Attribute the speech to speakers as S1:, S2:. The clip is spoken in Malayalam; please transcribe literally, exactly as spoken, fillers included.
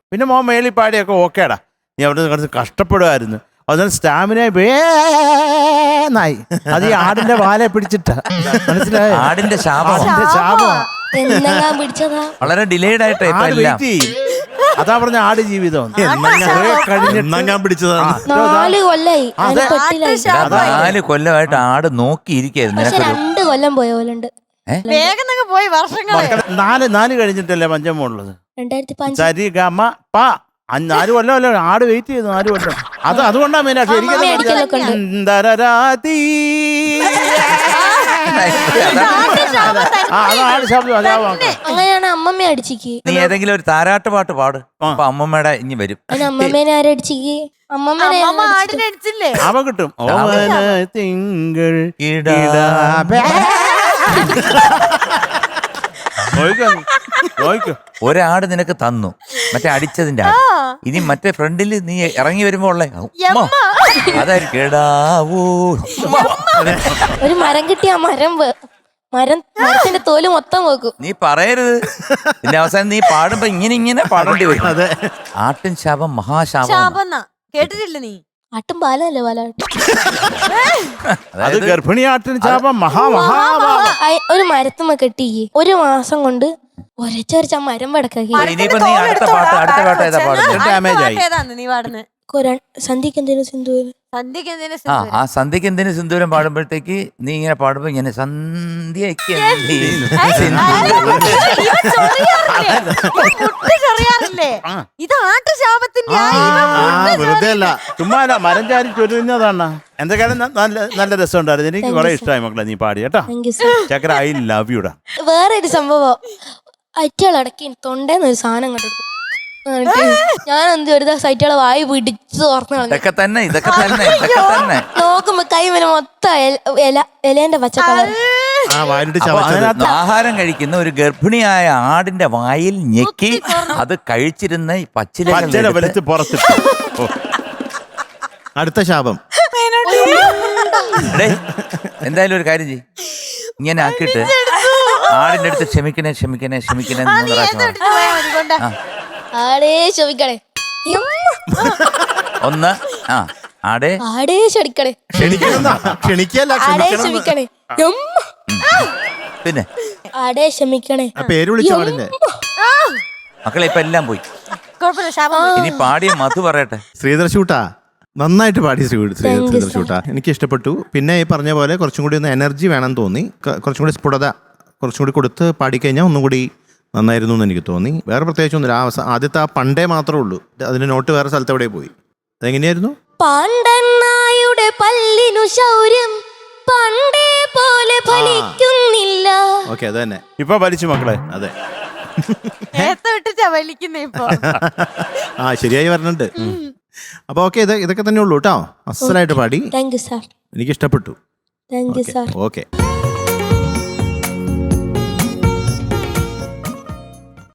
S1: പിന്നെ മോൻ മേളി പാടിയൊക്കെ ഓക്കേടാ, നീ അവിടെ കുറച്ച് കഷ്ടപ്പെടുമായിരുന്നു. അതുകൊണ്ട് സ്റ്റാമിന വേന്നായി. അത് ഈ ആടിന്റെ വാലെ പിടിച്ചിട്ടാ, മനസ്സിലായോ?
S2: ആടിന്റെ ശാപം,
S1: ആടിന്റെ ശാപം.
S3: പിടിച്ചതാ
S2: വളരെ ഡിലേഡ് ആയിട്ട് ഇപ്പൊ
S1: ആട്
S2: എല്ലാം.
S1: വെയിറ്റ് ചെയ്യും. അതാ പറഞ്ഞ ആട് ജീവിതം
S4: ഞാൻ പിടിച്ചതാണ്.
S3: നാല് കൊല്ലായി അതിന് പെട്ടിലായി.
S2: നാല് കൊല്ലമായിട്ട് ആട് നോക്കിയിരിക്കായിരുന്നു.
S3: പക്ഷെ രണ്ട് കൊല്ലം പോയ പോലുണ്ട്.
S5: വേഗം പോയി വർഷങ്ങളെ.
S1: നാല് നാല് കഴിഞ്ഞിട്ടല്ലേ പഞ്ചമുള്ളത്.
S3: രണ്ടായിരത്തി പഞ്ച്
S1: സരി ഗമ പ നാല് കൊല്ലമല്ലോ ആട് വെയിറ്റ് ചെയ്തു. നാല് കൊല്ലം അത് അതുകൊണ്ടാ മെയിനായിട്ട് എനിക്ക് അതാണ് ശബ്ദം.
S3: അങ്ങനെയാണ് അമ്മമ്മ അടിച്ചിക്ക്.
S2: നീ ഏതെങ്കിലും ഒരു താരാട്ട് പാട്ട് പാട്, അപ്പൊ അമ്മമ്മയുടെ ഇനി വരും.
S3: അതിന് അമ്മമ്മേനെ ആരടിച്ചിക്ക്? അമ്മമ്മേനെ
S5: ആടിനടിച്ചില്ലേ?
S1: അവ കിട്ടും. ഓമന തിങ്കൾ
S2: ഒരാട് നിനക്ക് തന്നു, മറ്റേ അടിച്ചതിന്റെ ആട്. ഇനി മറ്റേ ഫ്രണ്ടിൽ നീ ഇറങ്ങി വരുമ്പോ ഉള്ളേ അതായിരിക്കും കേടാവൂ.
S3: ഒരു മരം കിട്ടിയ ആ മരം വേ- മരം മരത്തിന്റെ തോല് മൊത്തം വെക്കും.
S2: നീ പറയരുത്. പിന്നെ അവസാനം നീ പാടുമ്പോ ഇങ്ങനെ ഇങ്ങനെ പാടേണ്ടി വരും. ആട്ടിൻ ശാപം മഹാശാപം.
S5: ശാപം കേട്ടിട്ടില്ല നീ?
S3: ആട്ടും പാലല്ലേ പാലാട്ടും.
S1: അത് ഗർഭിണിയാട്ടിന് ശാപം മഹാ മഹാ.
S3: ഒരു മരത്തുമ്മ കെട്ടിക്ക് ഒരു മാസം കൊണ്ട് ഒരച്ചൊരച്ച മരം വടക്കാക്കി.
S2: ഇനിയിപ്പോ നീ അടുത്ത പാട്ട് അടുത്ത പാട്ട് ഏതാ പാടുന്നത്?
S1: ഡാമേജ് ആയി.
S5: ഏതാന്ന് നീ പാടുന്നത്?
S3: സന്ധ്യക്ക് എന്തേലും സിന്ധുവിന്
S5: സന്ധ്യക്ക് എന്തിനാ
S2: ആ ആ സന്ധ്യക്ക് എന്തിനു സിന്ദൂരം പാടുമ്പോഴത്തേക്ക് നീ ഇങ്ങനെ പാടുമ്പോ ഇങ്ങനെ സന്ധ്യക്ക്
S5: ചെറിയാറില്ലേ? ഇത് ആട്ടുശാപത്തിന്റെ
S4: വെറുതെ അല്ല,
S1: ചുമ്മാ മരം ചാരി ചൊല്ലുന്നതാണ്. എന്തൊക്കെയാണ് നല്ല നല്ല രസമുണ്ടായിരുന്നു. എനിക്ക് കുറെ ഇഷ്ടമായി മക്കളെ നീ പാടി കേട്ടോ. ചക്കര ഐ ലവ് യുടാ.
S3: വേറൊരു സംഭവം, അറ്റകളടക്കി തൊണ്ടേന്ന് ഒരു സാധനം കണ്ടെടുക്കും. ഞാൻ എന്ത് ഒരു സൈറ്റുകളെ വായി പിടിച്ച് തുറന്നു
S2: ഇതൊക്കെ തന്നെ ഇതൊക്കെ തന്നെ ഇതൊക്കെ തന്നെ
S3: നോക്കുമ്പോ കൈ വരെ മൊത്തം ഇല ഇലേന്റെ പച്ച കളർ.
S2: ആഹാരം കഴിക്കുന്ന ഒരു ഗർഭിണിയായ ആടിന്റെ വായിൽ ഞെക്കി അത് കഴിച്ചിരുന്ന ഈ പച്ചില
S1: വെളുത്ത് പുറത്തിട്ട്.
S4: അടുത്ത ശാപം.
S2: എന്തായാലും ഒരു കാര്യം ചെയ്യ്, ഇങ്ങനെ ആക്കിയിട്ട് ആടിന്റെ അടുത്ത് ക്ഷമിക്കണേ ക്ഷമിക്കണേ ക്ഷമിക്കണേ എന്ന് പ്രാവശ്യം
S3: ആടേ ക്ഷമിക്കണേ,
S2: ഒന്ന് ആ ആടേ
S3: ആടേ ക്ഷണിക്കണേ,
S4: ക്ഷണിക്കല്ല
S3: ആടേ ക്ഷമിക്കണേ,
S2: പിന്നെ
S3: ആടേ ക്ഷമിക്കണേ.
S4: പേര് വിളിച്ച പാടില്ലേ
S2: മക്കളെ? ഇപ്പൊ എല്ലാം പോയി. ഇനി പാടിയ മധു പറയട്ടെ.
S4: ശ്രീധർ ഷൂട്ടാ നന്നായിട്ട് പാടി. ശ്രീധർ ഷൂട്ടാ എനിക്ക് ഇഷ്ടപ്പെട്ടു. പിന്നെ ഈ പറഞ്ഞ പോലെ കുറച്ചും കൂടി ഒന്ന് എനർജി വേണം തോന്നി. കുറച്ചും കൂടി സ്ഫുടത കുറച്ചും കൂടി കൊടുത്ത് പാടിക്കഴിഞ്ഞാൽ ഒന്നും കൂടി നന്നായിരുന്നു എന്ന് എനിക്ക് തോന്നി. വേറെ പ്രത്യേകിച്ചൊന്നുമില്ല. ആ ആദ്യത്തെ ആ പണ്ടേ മാത്രമേ ഉള്ളൂ. അതിന്റെ നോട്ട് വേറെ സ്ഥലത്ത് എവിടെ പോയി? അതെങ്ങനെയായിരുന്നു?
S3: പാണ്ടനായുടെ പല്ലിനു ശൗര്യം പണ്ടേ പോലെ ഫലിക്കുന്നില്ല.
S4: ഓക്കെ, അത് തന്നെ
S1: ഇപ്പൊ വലിച്ചു മക്കളെ.
S4: അതെ,
S5: ഇപ്പൊ
S4: ആ ശരിയായി പറഞ്ഞിട്ടുണ്ട്. അപ്പൊ ഓക്കെ, ഇത് ഇതൊക്കെ തന്നെ ഉള്ളൂ കേട്ടോ. അസലായിട്ട് പാടി.
S3: Thank you sir.
S4: എനിക്ക് ഇഷ്ടപ്പെട്ടു.
S3: Thank you sir.
S4: ഓക്കെ.